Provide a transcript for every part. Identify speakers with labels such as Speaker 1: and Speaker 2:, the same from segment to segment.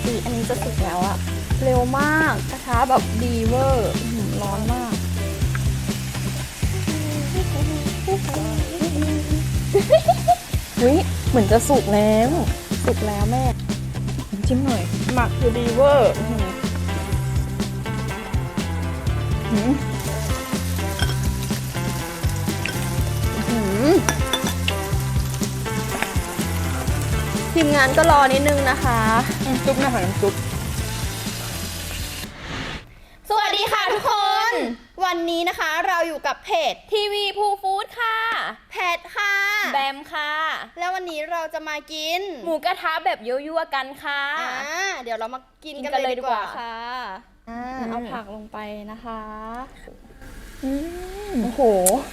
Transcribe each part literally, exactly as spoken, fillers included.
Speaker 1: สีอันนี้จะสุกแล้วอะเร็วมากกระทะแบบดีเวอร์ร้อนมาก
Speaker 2: วิเหมือนจะสุกแล้ว
Speaker 1: สุกแล้วแม่
Speaker 2: จิ้มหน่อย
Speaker 1: หมักคือดีเวอร์ทีมงานก็รอนิดนึงนะคะ
Speaker 2: ซุปนะคะน้ำซุป
Speaker 1: สวัสดีค่ะทุกคน วันนี้นะคะเราอยู่กับเพจทีวีภูฟู้ดค่ะแพทค่ะ
Speaker 2: แบมค่ะ
Speaker 1: แล้ววันนี้เราจะมากิน
Speaker 2: หมูกระทะแบบยั่วๆกันค่ะ
Speaker 1: อ่าเดี๋ยวเรามากินกันเลยดีกว่าค่ะอ่าเอาผักลงไปนะคะ
Speaker 2: โอ้โห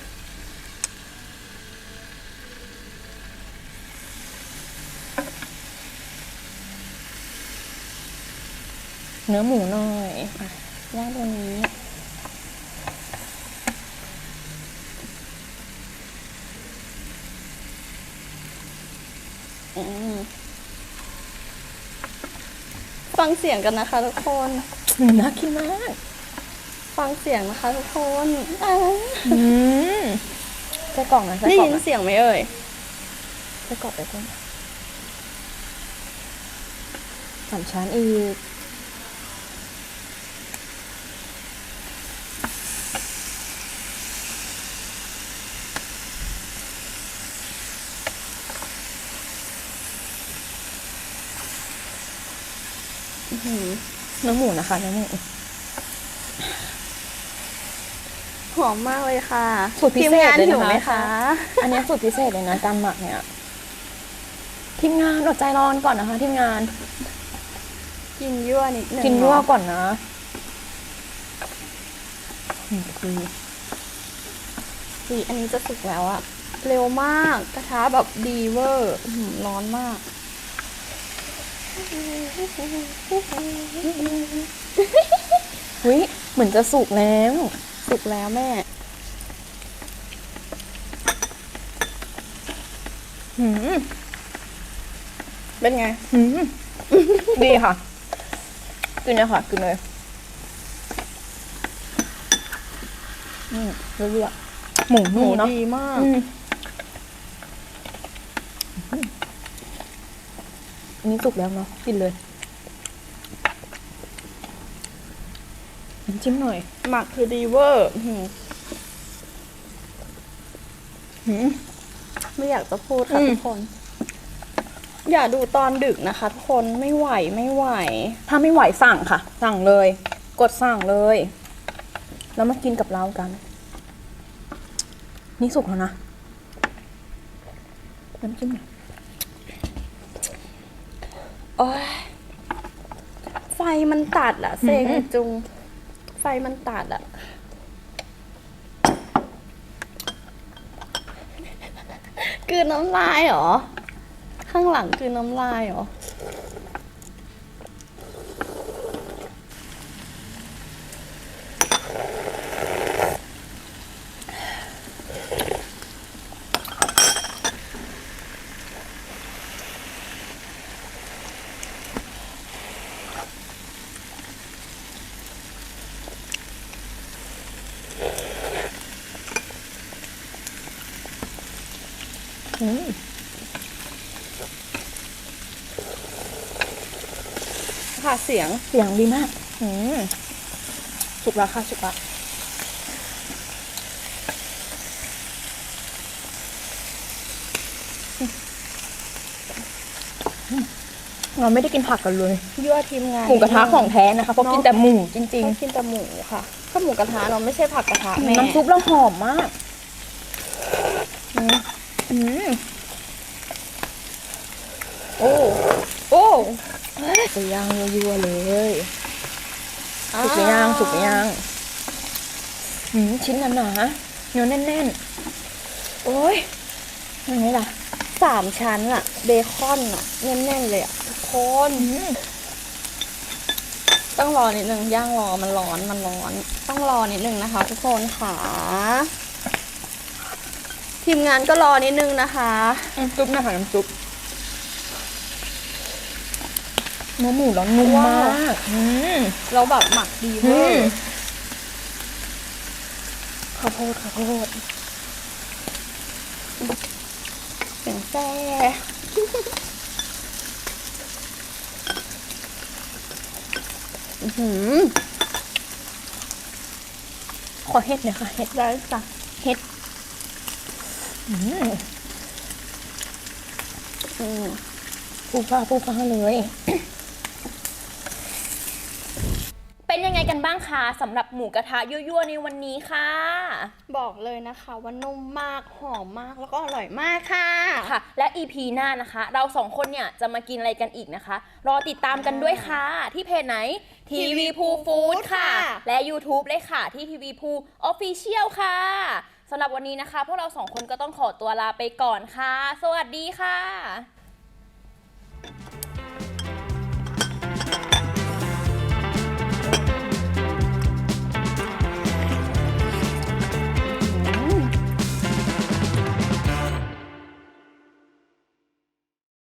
Speaker 2: เนื้อหมูหน่อย
Speaker 1: ย่างตัวนี้ฟังเสียงกันนะคะทุกคน
Speaker 2: น่ากินมาก
Speaker 1: ฟังเสียงนะคะทุกคน
Speaker 2: ใส่กล่องนะ
Speaker 1: ได้ยินเสียงไหมเอ่ย
Speaker 2: ใส่กล่องไปก่อนสามชั้นอีกเนื้อหมูนะคะเนื้อหมู
Speaker 1: หอมมากเลยค่ะ
Speaker 2: สูตรพิเศษเลย
Speaker 1: นะคะ
Speaker 2: อันนี้สูตรพิเศษเลยนะการหมักเนี่ยทีมงานอดใจรอก่อนนะคะทีมงาน
Speaker 1: กินยั่วนิดนึง
Speaker 2: กินยั่วก่อนนะ
Speaker 1: สีอันนี้จะสุกแล้วอะเร็วมากกระทะแบบดีเวอร์ร้อนมาก
Speaker 2: วิเหมือนจะสุกแล้ว
Speaker 1: สุกแล้วแม่
Speaker 2: หืม
Speaker 1: เป็นไง
Speaker 2: หืมดีค่ะกินเลยค่ะกินเลยอืมเรื่อยๆหมูหมูเนาะ
Speaker 1: ดีมาก
Speaker 2: อันนี้สุกแล้วเนาะกินเลยจิ้มหน่อย
Speaker 1: หมักคือดีเวอร์ไม่อยากจะพูดค่ะทุกคนอย่าดูตอนดึกนะคะทุกคนไม่ไหวไม่ไหว
Speaker 2: ถ้าไม่ไหวสั่งค่ะสั่งเลยกดสั่งเลยแล้วมากินกับเรากันนี่สุกแล้วนะน้ำจิ้ม
Speaker 1: โอ้ยไฟมันตัดอะเซงจุงไฟมันตัดอะคือน้ำลายเหรอข้างหลังคือน้ำลายเหรอค่ะเสียง
Speaker 2: เสียงดีมากอืมสุกแล้วค่ะสุกแล้วเราไม่ได้กินผักกันเลย
Speaker 1: ยั่วทีมงาน
Speaker 2: หมูกระทะของแท้นะคะเพราะกินแต่หมูจริง
Speaker 1: ๆกินแต่หมูค่ะก็หมูกระทะเราไม่ใช่ผักกระทะแม่
Speaker 2: น้ำซุปเราหอมมากอืม
Speaker 1: โอ้โอ้
Speaker 2: จะย่างยั่วๆเลยสุกไปย่างสุกไปย่างชิ้นหนาๆเนื้อแน่นๆโอ้ยยังไงล่ะ
Speaker 1: สามชั้นอะเบคอนอะแน่นๆเลยอะทุกคนต้องรอนิดนึงย่างรอมันร้อนมันร้อนต้องรอนิดนึงนะคะทุกคนค่ะทีมงานก็รอนิดนึงนะคะ
Speaker 2: น้ำซุปนะคะน้ำซุปเนื้อหมูแล้วนุ่มมากอืม
Speaker 1: เราแบบหมักดี
Speaker 2: อื
Speaker 1: เวอ
Speaker 2: ม
Speaker 1: ร์
Speaker 2: ข้าวโพดข้าวโพด
Speaker 1: เสียงแซ่ อื้อหือ
Speaker 2: ขอเห็ดหน่อยค่ะเห็ด
Speaker 1: ได้จ้ะ
Speaker 2: เห็ดอืม
Speaker 1: อืม
Speaker 2: ปูฟ้าปูฟ้าเลย
Speaker 1: เป็นยังไงกันบ้างคะสำหรับหมูกระทะยั่วๆในวันนี้ค่ะ บอกเลยนะคะว่านุ่มมากหอมมากแล้วก็อร่อยมากค่ะ
Speaker 3: ค่ะและ อี พี หน้านะคะ เราสองคนเนี่ยจะมากินอะไรกันอีกนะคะ รอติดตามกันด้วยค่ะ ที่เพจไหน ทีวีพูฟู้ดค่ะ และ YouTube เลยค่ะ ที่ทีวีพูออฟฟิเชียลค่ะสำหรับวันนี้นะคะ พวกเราสองคนก็ต้องขอตัวลาไปก่อนค่ะ สวัสดีค่ะ